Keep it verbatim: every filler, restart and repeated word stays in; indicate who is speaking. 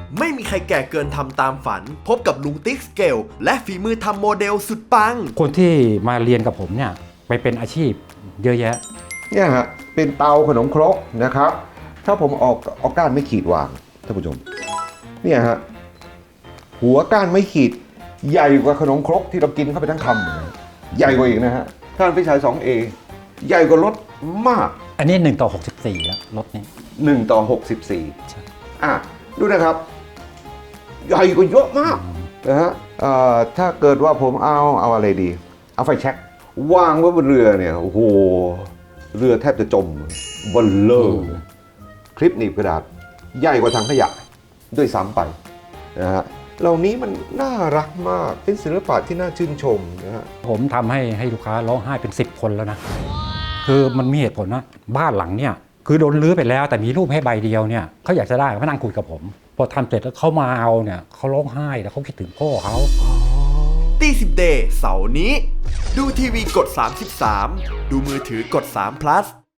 Speaker 1: ไม่มีใครแก่เกินทำตามฝันพบกับลุงติ๊กสเกลและฝีมือทำโมเดลสุดปัง
Speaker 2: คนที่มาเรียนกับผมเนี่ยไปเป็นอาชีพเยอะแยะ
Speaker 3: เนี่ยฮะเป็นเตาขนมครกนะครับถ้าผมออกเอาก้านไม่ขีดวางท่านผู้ชมเนี่ยฮะหัวก้านไม่ขีดใหญ่กว่าขนมครกที่เรากินเข้าไปทั้งคำนะใหญ่กว่าอีกนะฮะท่านพิชัย สองเอ ใหญ่กว่ารถมาก
Speaker 2: อันนี้หนึ่งต่อหกสิบสี่แล้วรถนี้
Speaker 3: หนึ่งต่อหกสิบสี่อ่ะดูนะครับใหญ่กว่าเยอะมากนะฮะถ้าเกิดว่าผมเอาเอาอะไรดีเอาไฟแช็กวางไว้บนเรือเนี่ยโอ้โหเรือแทบจะจมบนเลอร์คลิปหนีบกระดาษใหญ่กว่าถังขยะด้วยซ้ำไปนะฮะเหล่านี้มันน่ารักมากเป็นศิลปะที่น่าชื่นชมนะฮะ
Speaker 2: ผมทำให้ให้ลูกค้าร้องไห้เป็นสิบคนแล้วนะคือมันมีเหตุผลนะบ้านหลังเนี่ยคือโดนรื้อไปแล้วแต่มีรูปให้ใบเดียวเนี่ยเขาอยากจะได้เขานั่งคุยกับผมพอทำเสร็จแล้วเขามาเอาเนี่ยเขาร้องไห้แล้วเขาคิดถึงพ่อเขา
Speaker 1: ตีสิบเดย์เสาร์นี้ดูทีวีกดสามสิบสามดูมือถือกดสาม plus